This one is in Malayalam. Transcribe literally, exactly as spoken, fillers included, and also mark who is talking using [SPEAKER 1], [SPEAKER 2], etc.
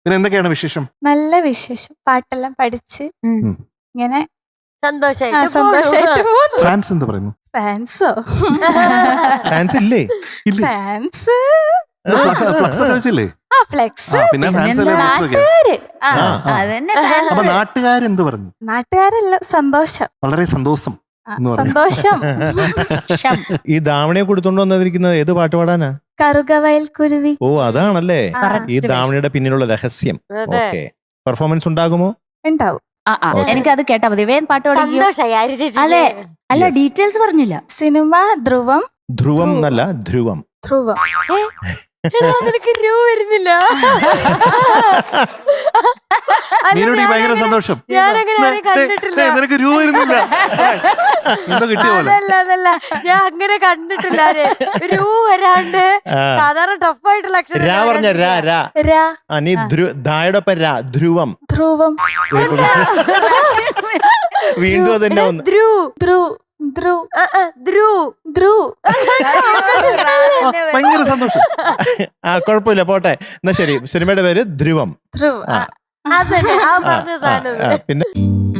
[SPEAKER 1] പിന്നെ എന്തൊക്കെയാണ് വിശേഷം?
[SPEAKER 2] നല്ല വിശേഷം. പാട്ടെല്ലാം പഠിച്ച് ഇങ്ങനെ
[SPEAKER 3] സന്തോഷായിട്ട്
[SPEAKER 2] സന്തോഷായിട്ട് പോകുന്നു.
[SPEAKER 1] ഫാൻസ് എന്ത് പറയുന്നു?
[SPEAKER 2] ഫാൻസോ?
[SPEAKER 4] ഫാൻസ് ഇല്ലേ?
[SPEAKER 1] ഇല്ലേ?
[SPEAKER 2] ഫാൻസ്
[SPEAKER 1] ഫ്ലക്സ് ഒക്കെ വെച്ചില്ലേ?
[SPEAKER 2] ആ ഫ്ലെക്സ്.
[SPEAKER 1] പിന്നെ ഫാൻസ് അല്ലേ?
[SPEAKER 2] നാട്ടുകാര് ആ
[SPEAKER 5] അതന്നെ
[SPEAKER 1] അപ്പൊ നാട്ടുകാരെന്ത് പറഞ്ഞു?
[SPEAKER 2] നാട്ടുകാരെല്ലാം സന്തോഷം.
[SPEAKER 1] വളരെ സന്തോഷം
[SPEAKER 2] ആ,
[SPEAKER 1] എന്ന് പറഞ്ഞു.
[SPEAKER 2] സന്തോഷം.
[SPEAKER 4] ഈ ധാവണിയെ കൊടുത്തോണ്ട് വന്നിരിക്കുന്നത് ഏത് പാട്ട് പാടാനാ?
[SPEAKER 2] കറുകവയൽ കുരുവി.
[SPEAKER 4] ഓ അതാണല്ലേ
[SPEAKER 2] ആ,
[SPEAKER 4] ഈ ധാവണിയുടെ പിന്നിലുള്ള രഹസ്യം.
[SPEAKER 3] അതെ.
[SPEAKER 4] ഓക്കെ, പെർഫോമൻസ് ഉണ്ടാകുമോ?
[SPEAKER 2] ഉണ്ടാവും.
[SPEAKER 5] എനിക്ക് അത് കേട്ടാ മതി. വേഗം പാട്ട് പഠിക്കും.
[SPEAKER 3] സന്തോഷായി ആര്യ ചേച്ചി.
[SPEAKER 5] അതെ. അല്ല,
[SPEAKER 4] Yes.
[SPEAKER 5] ഡീറ്റെയിൽസ് പറഞ്ഞില്ല.
[SPEAKER 2] സിനിമ ധ്രുവം.
[SPEAKER 4] ധ്രുവം എന്നല്ല, ധ്രുവം.
[SPEAKER 2] ധ്രുവം.
[SPEAKER 3] എടാ, നിനക്ക് രൂ വരുന്നില്ല. അല്ല,
[SPEAKER 1] നീനോട് ഭയങ്കര സന്തോഷം.
[SPEAKER 3] ഞാനങ്ങനെ ആരെയും കണ്ടിട്ടില്ല.
[SPEAKER 1] നിനക്ക് രൂപ വരുന്നില്ല. എന്തോ കിട്ടിയ പോലെ.
[SPEAKER 3] അതല്ല അതല്ല ഞാൻ അങ്ങനെ കണ്ടിട്ടില്ല. ആരെ. രൂ വരാണ്ട്
[SPEAKER 4] ആ.
[SPEAKER 3] സാധാരണ ടഫായിട്ടുള്ള അക്ഷരം
[SPEAKER 4] രാ പറഞ്ഞ രാ രാ
[SPEAKER 2] രാ.
[SPEAKER 4] ആ നീ ധ്രു- ധായോടൊപ്പം രാ ധ്രുവം.
[SPEAKER 2] ധ്രുവം.
[SPEAKER 4] വീണ്ടും അതന്നെ ഒന്ന്.
[SPEAKER 3] ധ്രു
[SPEAKER 2] ധ്രു ധ്രു
[SPEAKER 3] ആ, ആ, ധ്രു
[SPEAKER 2] ധ്രു.
[SPEAKER 1] ഭയങ്കര സന്തോഷം.
[SPEAKER 4] ആ കുഴപ്പമില്ല, പോട്ടെ. എന്നാ ശരി, സിനിമയുടെ പേര് ധ്രുവം.
[SPEAKER 2] ധ്രുവ്.
[SPEAKER 4] ആ.
[SPEAKER 2] ആ.
[SPEAKER 3] അതന്നെ ആ പറഞ്ഞ
[SPEAKER 4] ആ,
[SPEAKER 3] സാധനം.
[SPEAKER 4] ആ, പിന്നെ